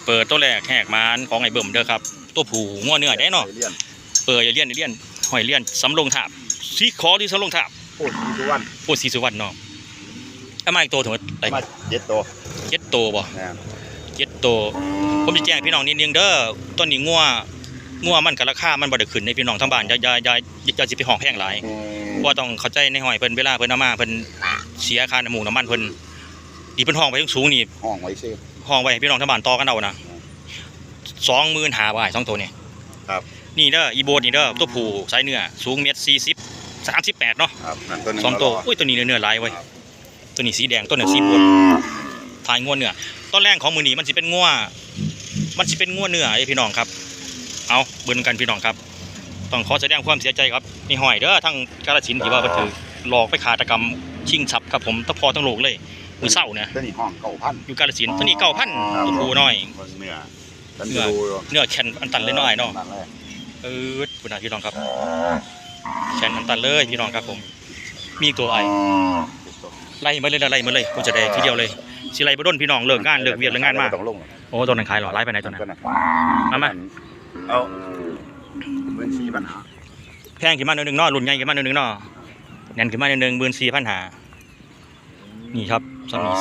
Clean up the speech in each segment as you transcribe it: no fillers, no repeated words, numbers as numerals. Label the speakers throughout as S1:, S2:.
S1: เปิดตัวแรกแหกมานของไอ้เบิ่มเด้อครับตัวผูง้อเนื้อได้เนาะเปิดอย่าเลี่ยนหอยเลี่ยนสำลงถาบซีคอที่สำลงถาบ
S2: โอ้สีสุวรรณ
S1: โอ้สีสุวรรณเนาะเอามาอีกตัวถึงอะไร
S2: มา7 ตัว
S1: 7 ตัวบ่7 ตัวผมจะแจ้งพี่น้องนิดนึงเด้อต้นนี้งัวมันกับราคามันบ่ได้ขึ้นในพี่น้องทั้งบ้านอย่าสิไปห้องแพงหลายเพราะต้องเข้าใจในหอยเพิ่นเวลาเพิ่นเอามาเพิ่นเสียค่าน้ำมูกน้ำมันเพิ่นดีเพิ่นห้องไปสูงนี่
S2: ห้องไว้ซิ
S1: ห้องไว้ให้พี่น้องทั้งบ้านต่อกันเอานะ25,000บาท2ตัวนี่
S2: ครับ
S1: นี่เด้ออีโบดนี่เด้อตัวผู้สายเนื้อสูง1.40 38เนาะ
S2: ครับ
S1: 2ตัวอุ้ยตัวนี้เนื้อหลายเว้ยตัวนี้สีแดงตัวนี้สีบดถ่ายงัวเนื้อต้นแรกของมือนี้มันสิเป็นงัวเนื้อไอ้พี่น้องครับเอาเบิ่งกันพี่น้องครับต้องขอแสดงความเสียใจครับนี่หอยเด้อทั้งกาฬสินธุ์ที่ว่าเพิ่นถือหลอกไปฆาตกรรมชิงทรัพย์ครับผมทั้งพอทั้งโลกเลยมือเศร้าเนี่ย
S2: ตัวนี้ห้อง9,000
S1: อยู่กาฬสินธุ์ตัวนี้9,000ตัวผู้น้อย
S2: เ
S1: นื้อแข็งอันตันเลยน้อยเนาะคุณพี่น้องครับแข็งอันตันเลยพี่น้องครับผมมีตัวไอไล่มาเลยกูจะได้ทีเดียวเลยสิไล่บ่ด้นพี่น้องเลิกงานเลิกเวียนเลิกงานมาโอ้ตัวนั้นขายหรอไล่ไปไหนตัวนั้นมา
S2: เอา14,000ปัญหา
S1: แพงขึ้นมาหนึ่งเนาะรุ่นใหญ่ขึ้นมาหนึ่งเนาะแน่นขึ้นมาหนึ่ง14,000หานี่ครับสามี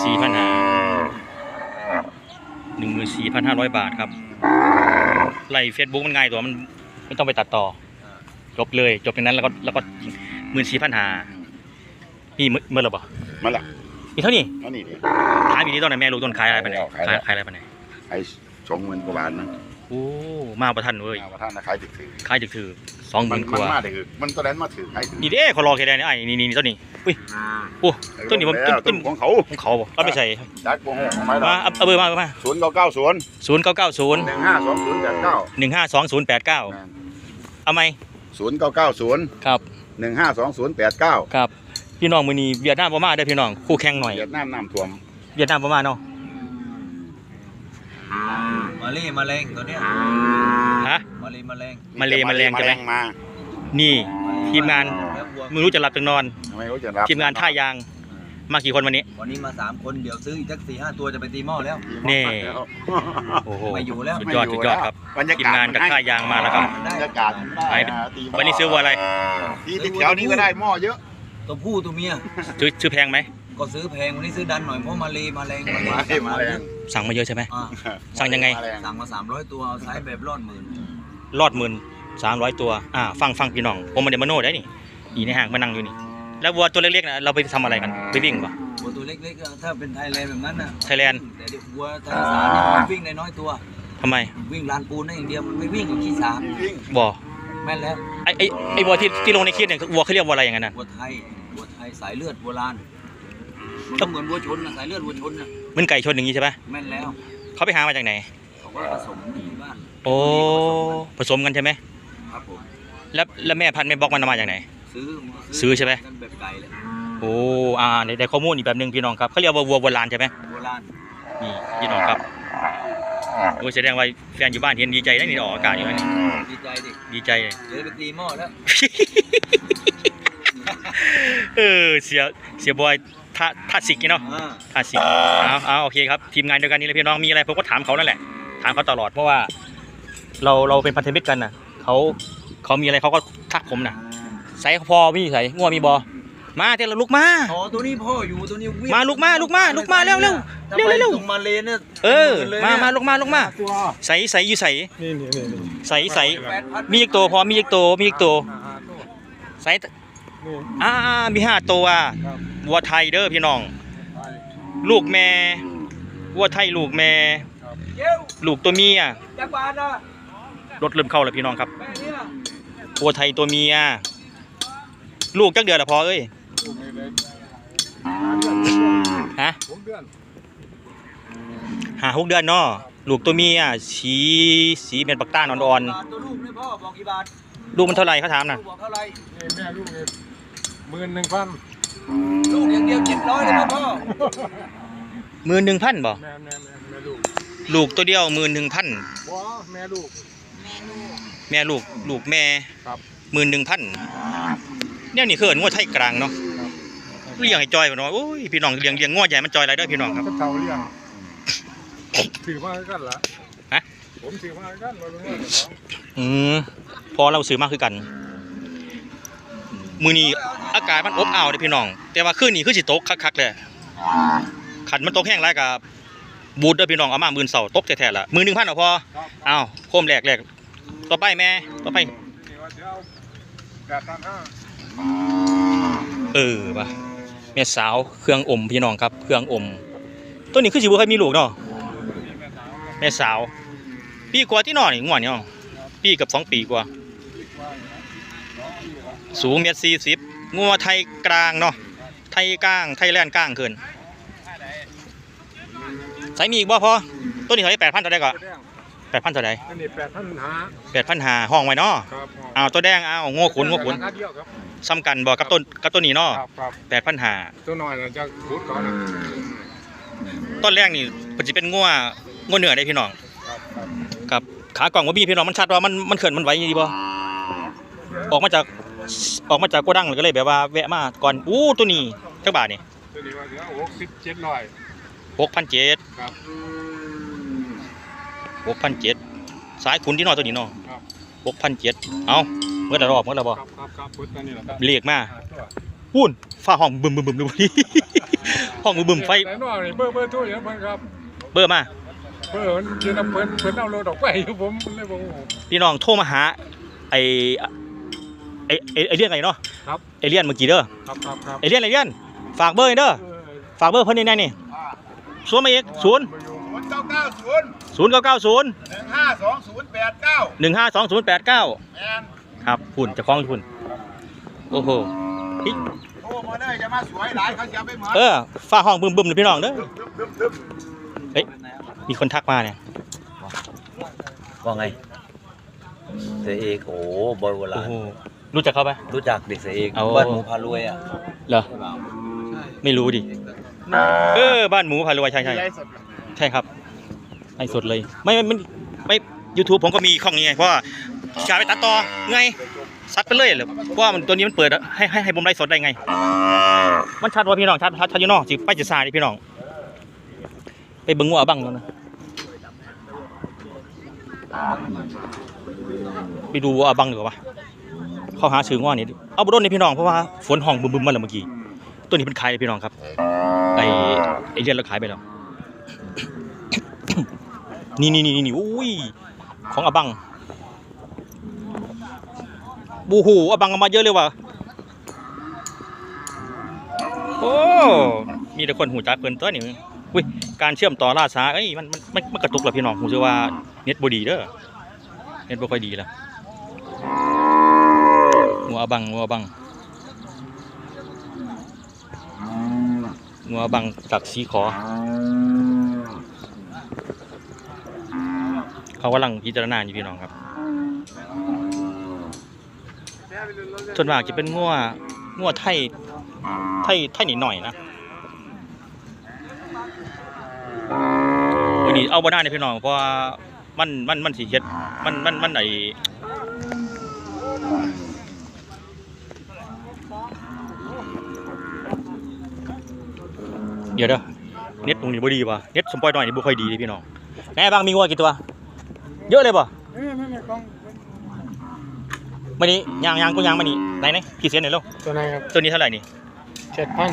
S1: 14,500 บาทครับไล่ Facebook มันง่ายตัวมันไม่ต้องไปตัดต่อจบเลยจบอย่างนั้นแล้วก็14,000หานี่เมื่อไหร่บ่
S2: มาละ
S1: นี่เท่านี้
S2: นี่
S1: ขายปีนี้ต้นไหนแม่รู้ต้นขายอะไรไปไหนขายอะไรไปไหน
S2: ไอ้20,000 กว่าบาทนะ
S1: โอ้มาประทันเว้ย
S2: มาประทันนะขาย
S1: ถึกถือ20,000 กว่า
S2: มาถือมันตัวนั้นมาถือขายถือ
S1: นี่เด้เขารอแค่ไหนไอ้นี่ต้นนี้อุ้ยโอ้ต้นนี้ผมต้น
S2: ของเขา
S1: บ่เอาไปใส่
S2: ดักโกงของไม้
S1: มาเอาเบอร์มา
S2: 0990
S1: 152089เอาไหม
S2: 0990
S1: ครับ
S2: 152089
S1: ครับพี่น้องมื้อนี้เวียดนามบ่มาได้พี่น้องคู่แข่งหน่อย
S2: เวียดนามน้ำท่วม
S1: เวียดนามบ่มาเนาะ
S3: มาแรงตัวเนี้ย
S1: ฮะ
S3: มาแรง
S1: ใช่ไหมนี่ทีมงานไม่รู้จะหลับจะนอนทีมงานท่ายางมากี่คนวันนี้
S3: มา3 คนเดี๋ยวซื้ออีกสัก4-5 ตัวจะไปตีหม้อแล้ว
S1: นี่โอ้โห
S3: ไม่อยู่แล้ว
S1: สุดยอดครับทีมงานกับท่ายางมาแล้วครับ
S2: บรรยากาศ
S1: วันนี้ซื้อวัวอะไร
S2: ที่แถวนี้ก็ได้หม้อเยอะ
S3: ตัวผู้ตัวเมีย
S1: ซื้อแพงไหม
S3: ก็ซื้อแพงวันนี้ซื้อดันหน่อยเพราะมาแรง
S1: สั่งมาเยอะใช่ไหมสั่งยังไง
S3: สั่งมา300 ตัวเอาไซส์แบบรอดหมื่น
S1: 300 ตัวฟังพี่น้องผมมาเดมโน่ได้นี่อีในห้างมานั่งอยู่นี่แล้ววัวตัวเล็กๆนะเราไปทำอะไรกันไปวิ่งป่ะ
S3: วัวตัวเล็กๆถ้าเป็นไทยแลนด์แบบนั้นนะ
S1: ไทยแลนด์
S3: แต่วัวไทยสารเนี่ยมันวิ่งในน้อยตัว
S1: ทำไม
S3: วิ่งลานปูนได้อย่างเดียวมันไม่วิ่งอย่างขี้สา
S1: บ่
S3: แม่นแล้ว
S1: ไอ้วัวที่ลงในคลิปเนี่ยวัวเขาเรียกวัวอะไรอย่างนั้นนะ
S3: วัวไทยสายเลือดโบราณมันก็เหมือนวัวชนนะสายเลือดวัวชนนะ
S1: มันไก่ชนอย่างนี้ใช่ไหม
S3: แม่นแล้ว
S1: เขาไปหามาจากไหน
S3: เขาก็ผสมที่บ้าน
S1: โอ้ผสมกันใช่ไหม
S3: ครับผม
S1: แล้วแม่พันธุ์แม่บล็อกมันมาจากไหนซื้อใช่ไหม
S3: แบบไก่เลย
S1: โอ้ได้ข้อมูลอีกแบบนึงพี่น้องครับเขาเรียกว่าวัวโบราณใช่ไหม
S3: โบราณ
S1: นี่พี่น้องครับโอ้แสดงว่าแฟนอยู่บ้านเห็นดีใจได้นี่ออกอากาศอยู่นี่ดีใจเลย
S3: เดี๋ยวไปตีหม้อแล้ว
S1: เสียบอยท่าสิกเนาะท่าสิกโอเคครับทีมงานเดียวกันนี่เลยพี่น้องมีอะไรผมก็ถามเขานั่นแหละถามเขาตลอดเพราะว่าเราเป็นพันธมิตรกันนะเขามีอะไรเขาก็ทักผมนะใส่พอมีใส่งัวมีบอมาเดี๋ยวเราลุกมา
S3: ตัวนี้พ่ออยู่ตัวนี้วิ่ง
S1: มาลุกมาเร็ว
S3: มาเลนเนี่ย
S1: มาลุกมาใส่อยู่ใส่ใส่มีอีกตัวพอมีอีกตัวใส่มี5 ตัววัวไทยเด้อพี่น้องลูกแม่วัวไทยลูกแม่ลูกตัวเมียรถเริ่มเข้าแล้วพี่น้องครับวัวไทยตัวเมียลูกจักเดือนละพอเอ้ยฮะ6 เดือนเนาะลูกตัวเมียสีเป็นปักต้านอ่อน
S3: ๆตัวลูกนี่พ่อบอกกี่บาท
S1: ลูกมันเท่าไรเขาถามนะ
S3: บอกเท่าไร
S2: แม่ลูก11,000
S3: ลูกอย่างเดียว700เลยพ่อ
S1: 11,000บ่ลูกตัวเดียว11,000
S2: แม่ลูก
S1: แม่11,000เนี่ยนี่คืองัวไทยกลางเนาะเลี้ยงให้จอยบ่เนาะโอ้ยพี่น้องเลี้ยงงัวใหญ่มันจอยอะไรเด้อพี่น้องครับ
S2: เฒ่าเลี้ยงถือมากันล่ะ
S1: ฮะ
S2: ผมซื้อมากันมาเป็น
S1: พอเราซื้อมากคือกันมื้อนี้อากาศมันอบอ้าวเด้อพี่น้องแต่ว่าคืนนี้คือสิตกคักๆเลยขันมันตกแห้งหลายก็บูดเด้อพี่น้องเอามามื้อเช้าตกแท้ๆล่ะมื้อ 1,000 เอาพออ้าวโคมแรกต่อไปแม่ต่อไปป่ะแม่สาวเครื่องอมพี่น้องครับเครื่องอมตัวนี้คือสิบ่เคยมีลูกเนาะแม่สาวปีกว่าที่นอนนี่ง่วนนี่ปีกับ2 ปีกว่าสูง1.40 งัวไทยกลางเนาะไทยกลางไทยแลนด์กลางขึ้นใส่มีอีกบ่พอตัวนี้เท่าไหร่ 8,000 เท่าใดก็ 8,000 เท่าใด
S2: อันนี้
S1: 8,500ห้องไว้เนาะ
S2: ครับ
S1: เอาตัวแดงเอาโง่ขุนซ้ำกันบ่กับตัวนี้เนาะ
S2: ครับ
S1: 8,500
S2: ตัวน้อยจะขุดก่อนนะ
S1: ต้นแรกนี่มันจะเป็นงัวเหนือได้พี่น้อง
S2: ครับ
S1: กับขากล่องว่ามีพี่น้องมันชัดว่ามันเขินมันไหวดีบ่ออกมาจากโกดังเลยก็เลยแบบว่าแวะมาก่อนตัวนี้จักบาทนี่
S2: ตัวนี้ว่าเดี๋ยว
S1: 6,700
S2: ครับ
S1: 6,700สายขุนที่น้อยตัวนี้เนาะ
S2: ครับ
S1: 6,700เอาเมื่อละรอบเมื่อละบ่
S2: ครับพุทธตัวนี้แหละครับ
S1: เรียกมาปุ้นฟ้าห้องบึมดูดิห้องบึมไฟ
S2: แต่น้อยนี่เบอร์ทั่วอย่างเพิ่นครับ
S1: เบอร์มา
S2: เพิ่นยืนน้ำเพิ่นเอารถออกไปผมเลยบอก
S1: พี่น้องโทรมาหาไอเลียนไงเนาะ
S2: ครับ
S1: ไอเลียนเมื่อกี้เด้อ
S2: ครับ
S1: ไอเลียนฝากเบอร์เด้อฝากเบอร์เพิ่นนี่นี่สวนมาอีก0
S2: 990
S1: 0
S2: 152089
S1: 152089ครับฝุ่นจะคล้องฝุ่นโอ้โห
S2: โอ้มาเลยจะมาสวยหลายเขาจะไปเหมือน
S1: ฟ้าห้องบึมเลยพี่น้องเด้อเฮ้ยมีคนทักมาเนี่ย
S3: ว่าไงเสียเอกโอ้บอยโบรา
S1: โอ้
S3: ณ
S1: โหรู้จักเขาไหม
S3: รู้จักเด็กเสียเอก
S1: เอา
S3: บ้านหมูพารวยอ่ะ
S1: เหรอไม่รู้ดิบ้านหมูพารวยใช่ครับไอ้สดเลยไม่ YouTube ผมก็มีข้องนี้ไงเพราะว่าการไปตัดต่อไงซัดไปเลยเหรอเพราะว่าตัวนี้มันเปิดให้ผมไลฟ์สดได้ไงมันชัดว่าพี่น้องชัดอยู่เนาะสิไปจะซาดิพี่น้องไปเบิ่งงัวบังแล้วนะไปดูวัวบังดีกว่าเข้าหาซื้องัวนี่เอาบ่โดนนี่พี่น้องเพราะว่าฝนห้องบึมมาแล้วเมื่อกี้ตัวนี้เป็นขายเลยพี่น้องครับไอ้เรียนเราขายไปแล้ว นี่อุ้ยของอบังบูหูอบังมาเยอะเลยว่ะโอ้มีแต่คนหูจักเพิ่นตัวนี่อุ้ยการเชื่อมต่อล่าช้ามันกระตุกแล้วพี่น้องผมเชื่อว่าเน็ตบ่ดีเด้อเน็ตบ่ค่อยดีแล้วงัวอบังจากสีขอเขากำลังพิจารณาอยู่พี่น้องครับส่วนมากจะเป็นงัวไทยนิดหน่อยนะวันนี้เอาบ่ได้เลยพี่น้องเพราะว่ามันสิเฮ็ดมันไอเดี๋ยวเด้อเน็ตตรงนี้บ่ดีป่ะเน็ตสมปอยหน่อยนี่บ่ค่อยดีเลยพี่น้องแม่บางมีงัวกี่ตัวเยอะเลยป่ะมานี่ยางกูยางมานี่ไหนกี่เซนเนี่ยลูก
S2: ตัวไหนครับ
S1: ตัวนี้เท่าไหร่นี่
S2: 7,000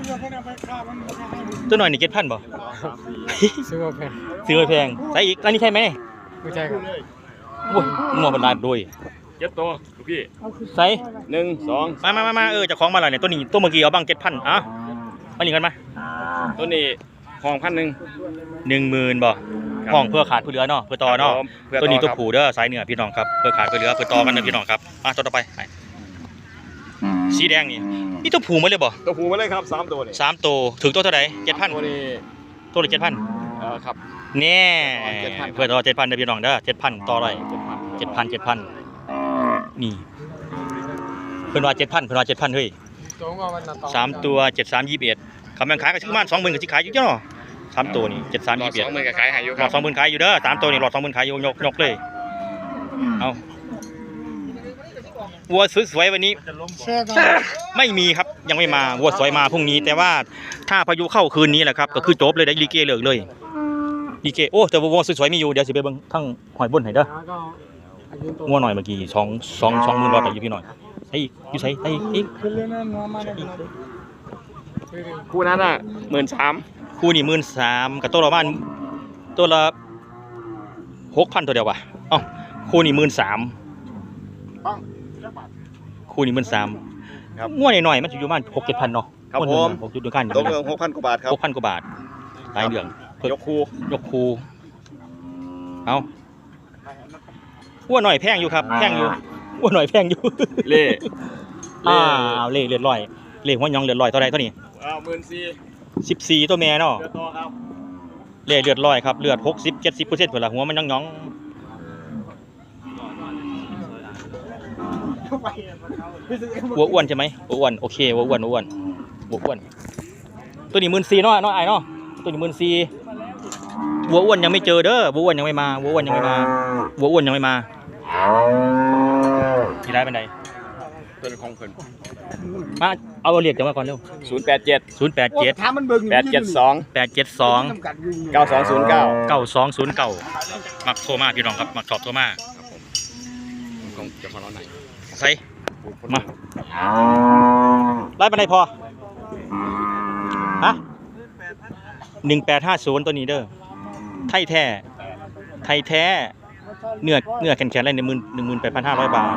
S1: ตัวหน่อยนี่7,000บ่
S2: ซื้อมาแพง
S1: ซื้อแพงใส่อีกแล้วนี่ใช่ไหมนี่
S2: ไม่ใช่ครับ
S1: โอ้ยงัวมันลายโดย
S2: เจ็ดตัวพี่
S1: ใส่
S2: 1 2
S1: มาเจะของมาแล้วเนี่ยตัวนี้ตัวเมื่อกี้เอาบัง7,000อ่ะมานี่กันมา
S2: ตัวนี้ห้อง1,000
S1: 10,000บ่ห้องเพื่อขาดเพื่อเหลือเนาะเพื่อต่อเนาะตัวนี้ตัวผูเด้อสายเหนือพี่น้องครับเพื่อขาดเพื่อเหลือเพื่อต่อกันนะพี่น้องครับตัวต่อไปสีแดงนี่ตัวผูมาเลยบ่
S2: ตัวผูมาเลยครับ3ตัวนี่
S1: 3ตัวถึงตัวเท่าไหร่ 7,000
S2: ตัวนี้
S1: ตัวละ 7,000
S2: ครับ
S1: แน่
S2: 7,000
S1: เพื่อต่อ 7,000เด้อพี่น้องเด้อ 7,000 ต่อเลย 7,000 นี่เพิ่นว่า 7,000 เฮ้ย
S2: ตัวงอมันน่ะ
S1: 3ตัว7321คำแม่งขายก็สิประมาณ 20,000ก็สิขายอยู่เนาะ3ตัวนี่7321
S2: 20,000ก็ขายให้อยู่ค
S1: หล
S2: รั
S1: อบ ด20,000ขายอยู่เด้อ3ตัวนี่หลอด20,000ขายอยู่ยกเลยเอาวัวสวยๆวันนี้ไม่มีครับยังไม่มาวัวสวยมาพรุ่งนี้แต่ว่าถ้าพายุเข้าคืนนี้แหละครับก็คือจบเลยได้ลิเกเลิกเลยพีเคโอ้แต่วัวสวยๆมีอยู่เดี๋ยวสิไปเบิ่งทั้งหอยบนให้เด้องัวหน่อยเมื่อกี้20,000ไปอยู่พี่หน่อยใส่อยู่ใส่ใส่อีก
S4: คู่นั้นอ่ะ13,000
S1: คู่นี่13,000กับตัวละประมาณตัวละ6,000ตัวเดียวว่ะเอ้าคู่นี่13,000คู่นี่13,000ครับงัวหน่อยๆมันสิอยู่ประมาณ6-7,000เนาะ
S4: ครับผม
S1: 6จุดด้วยกัน
S4: ตกเรื่อง6,000 กว่าบาทครับ
S1: 6,000 กว่าบาทหลายเรื่อง
S4: ยกคู่
S1: ยกคูเอาอ้วนหน่อยแพงอยู่ครับแพงอยู่อ้วนหน่อยแพงอยู่
S4: เล่
S1: อ้าวเล่เลือดลอยเล่หัวหยองเลือดลอยเท่าไรเท่านี้
S4: 14,000
S1: 14ตัวแม่เนาะ
S4: เดือดต่อครับ
S1: เล่เลือดลอยครับเลือด60-70%เพิ่นละหัวมันหยองวัวอ้วนใช่ไหมวัวอ้วนโอเควัวอ้วนวัวอ้วนตัวนี้14,000เนาะไอ้เนาะตัวนี้14,000วัวอ้วนยังไม่เจอเด้อวัวอ้วนยังไม่มาวัวอ้วนยังไม่มาวัวอ้วนยังไม่มาที่ได้เป็นได
S4: ตัวเป็นของเพิ่น
S1: มาเอาเรียกกันมาก่อนเร็ว
S4: 087
S1: 087
S2: ถามมันเบิ่ง
S4: 872
S1: 872
S4: 9209
S1: 9209มักโทรมาพี่น้องครับมักสอบโทรมา
S4: ของเจ้าของเราไหน
S1: ใส่มาไล่บันไดพอฮะ1850ตัวนี้เด้อไทยแท้เนื้อแข็งๆเลย18,500 บาท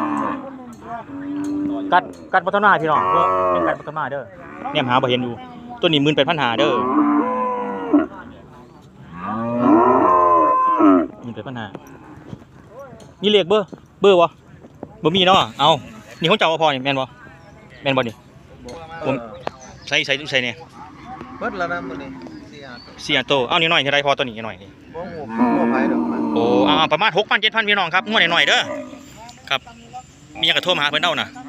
S1: กัดพัฒนาพี่น้องเพื่อเป็นกัดพัฒนาเด้อเนี่ยหาบ่เห็นอยู่ตัวนี้18,500เด้อ18,500มีเลขเบอร์บ่บ่มีเนาะเอานี่ของเจ้าพอนี่แม่นบ่นี่ผมใส่เนี่ย
S5: เบิดแล้วนะมื้อนี้
S1: 4 โตเอานี่หน่อยเท่าไรพอตัวนี้หน่อยนี่
S5: บ่ฮู้บ่ไผดอกมัน
S1: โอ้ประมาณ 6,000 7,000พี่น้องครับงวดหน่อยๆเด้อครับมีหยังก็โทรมาหาเพิ่นเด้าน่ะ